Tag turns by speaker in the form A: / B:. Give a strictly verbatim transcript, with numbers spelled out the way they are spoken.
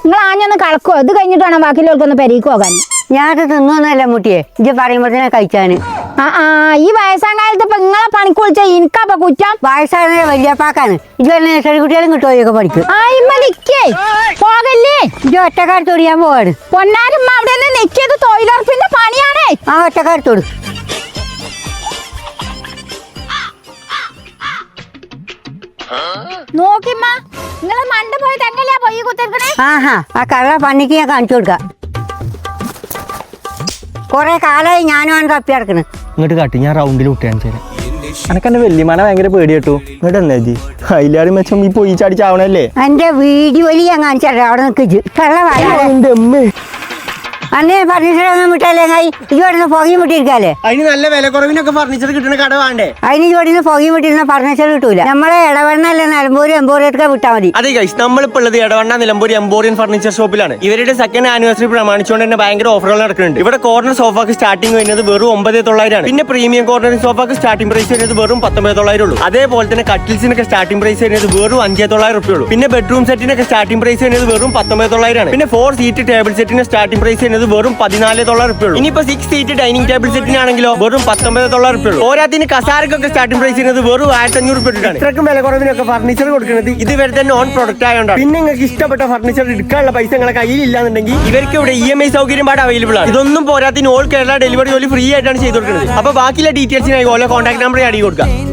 A: നിങ്ങൾ ആഞ്ഞൊന്ന് കളക്കോ, ഇത് കഴിഞ്ഞിട്ട് വേണം ബാക്കിയുള്ളവർക്കൊന്ന് പെരീക്ക് പോകാൻ.
B: ഞാനത് തിന്നൊന്നുമല്ല മുട്ടിയെ, ഇജ്ജ് പറയുമ്പോഴത്തേനെ കഴിച്ചാന്.
A: ആ ആ ഈ വയസ്സാം കാലത്ത് ഇപ്പൊ നിങ്ങളെ പണിക്ക് വിളിച്ചാ എനിക്കപ്പൊ കുറ്റം.
B: വയസ്സായ വലിയപ്പാക്കാണ്. ഇജ്ജ് വരുന്ന ചെറിയ കുട്ടികളും കിട്ടുമോ പഠിക്കും.
A: ആ ഇമ്മ നിക്കേ പോകല്ലേ,
B: ഇജ്ജ് ഒറ്റക്കാരത്തോട് ഞാൻ പോവാണ്.
A: പൊന്നാരമ്മ അവിടെ നിന്ന് നിക്കിയത് തൊഴിലുറപ്പിന്റെ പണിയാണേ.
B: ആ ഒറ്റക്കാരത്തോട്
A: നോക്കിമ്മ, നിങ്ങള് മണ്ട പോയി തന്നെയല്ലേ പൊയ്യ കുത്തിരിക്കണേ.
B: ആഹാ ആ കള്ള പന്നിക്ക് ഞാൻ കാണിച്ചു കൊടുക്കാം. കൊറേ കാലമായി ഞാനും ആണ് തപ്പി നടക്കണ്.
C: ഇങ്ങോട്ട് കാട്ടി, ഞാൻ റൗണ്ടിൽ വിട്ടാൻ ചേരാം. എനക്ക് എന്റെ വല്യമാനെ ഭയങ്കര പേടി കേട്ടു. ഇങ്ങോട്ട് എന്നാ ജി അതിലാറി മെച്ചം ഈ പൊയി ചാടിച്ചാവണല്ലേ.
B: എന്റെ വീഡിയോയിൽ ഞാൻ കാണിച്ചാലേ അവിടെ നിൽക്കിച്ച് കള്ള
C: അമ്മേ
B: അന്നേ ഫർണിച്ചർ വിട്ടാലേ ഇവിടുന്ന് പുകയും വിട്ടിരിക്കാല്ലേ.
C: അതിന് നല്ല വില കുറവിനൊക്കെ ഫർണിച്ചർ കിട്ടുന്ന കട വേണ്ടേ?
B: അതിന് ഇവിടുന്ന് പുകയും വിട്ടിരുന്ന ഫർണിച്ചർ കിട്ടൂല. നമ്മളെ ഇടവണ്ണല്ലേ നിലമ്പൂര് എമ്പോറിയൊക്കെ വിട്ടാൽ മതി.
C: അതെ ഗൈസ്, നമ്മളിപ്പോൾ ഉള്ളത് ഇടവണ്ണ നിലമ്പൂർ എമ്പോറിയൻ ഫർണിച്ചർ ഷോപ്പിലാണ്. ഇവരുടെ സെക്കൻഡ് ആനിവേഴ്സറി പ്രമാണിച്ചുകൊണ്ട് തന്നെ ഭയങ്കര ഓഫറുകൾ നടക്കുന്നുണ്ട്. ഇവിടെ കോർണർ സോഫക്ക് സ്റ്റാർട്ടിംഗ് വരുന്നത് വെറും ഒമ്പത് തൊള്ളായിരം ആണ്. പിന്നെ പ്രീമിയം കോർണർ സോഫക്ക് സ്റ്റാർട്ടിംഗ് പ്രൈസ് വരുന്നത് വെറും പത്തൊമ്പത് തൊള്ളായിരം ഉള്ളൂ. അതേപോലെ തന്നെ കട്ടിൽസിനൊക്കെ സ്റ്റാർട്ടിംഗ് പ്രൈസ് വരുന്നത് വെറും അഞ്ചേ തൊള്ളായിരം റുപ്യ ഉള്ളൂ. പിന്നെ ബെഡ്റൂം സെറ്റിനൊക്കെ സ്റ്റാർട്ടിംഗ് പ്രൈസ് വരുന്നത് വെറും പത്തൊമ്പത് തൊള്ളായിരം ആണ്. പിന്നെ ഫോർ സീറ്റ് ടേബിൾ സെറ്റിന് സ്റ്റാർട്ടിംഗ് പ്രൈസ് വരുന്നത് വെറും പതിനാല് തൊള്ളായിരം റുപ്യ ഉള്ളൂ. ഇനിയിപ്പോ സിക്സ് സീറ്റ് ഡൈനിങ് ടേബിൾ സെറ്റിനാണെങ്കിലോ വെറും പത്തൊമ്പത് തൊള്ളായിരം റുപ്യ ഉള്ളൂ. ഓരോത്തിന് കസാരക്കൊക്കെ സ്റ്റാർട്ടിംഗ് പ്രൈസ് ചെയ്യുന്നത് വെറും ആയിരത്തി അഞ്ഞൂറ് റുപ്യ ആണ്. ഇത്രക്കും വില കുറവിനൊക്കെ ഫർണിച്ചർ കൊടുക്കുന്നത് ഇത് ഇവരുടെ നോൺ പ്രൊഡക്റ്റ് ആയതുകൊണ്ടാണ്. പിന്നെ നിങ്ങൾക്ക് ഇഷ്ടപ്പെട്ട ഫർണിച്ചർ എടുക്കാനുള്ള പൈസ നിങ്ങളെ കയ്യിലില്ലാന്നുണ്ടെങ്കിൽ ഇവർക്ക് ഇവിടെ ഇ എം ഐ സൗകര്യം പാട് അവൈലബിൾ ആണ്. ഇതൊന്നും പോരാത്തിന് ഓൾ കേരള ഡെലിവറി ജോലി ഫ്രീ ആയിട്ടാണ് ചെയ്ത് കൊടുക്കുന്നത്. അപ്പൊ ബാക്കിയുള്ള ഡീറ്റെയിൽസിനായി ഓരോ കോൺടാക്ട് നമ്പർ അടി കൊടുക്കാം.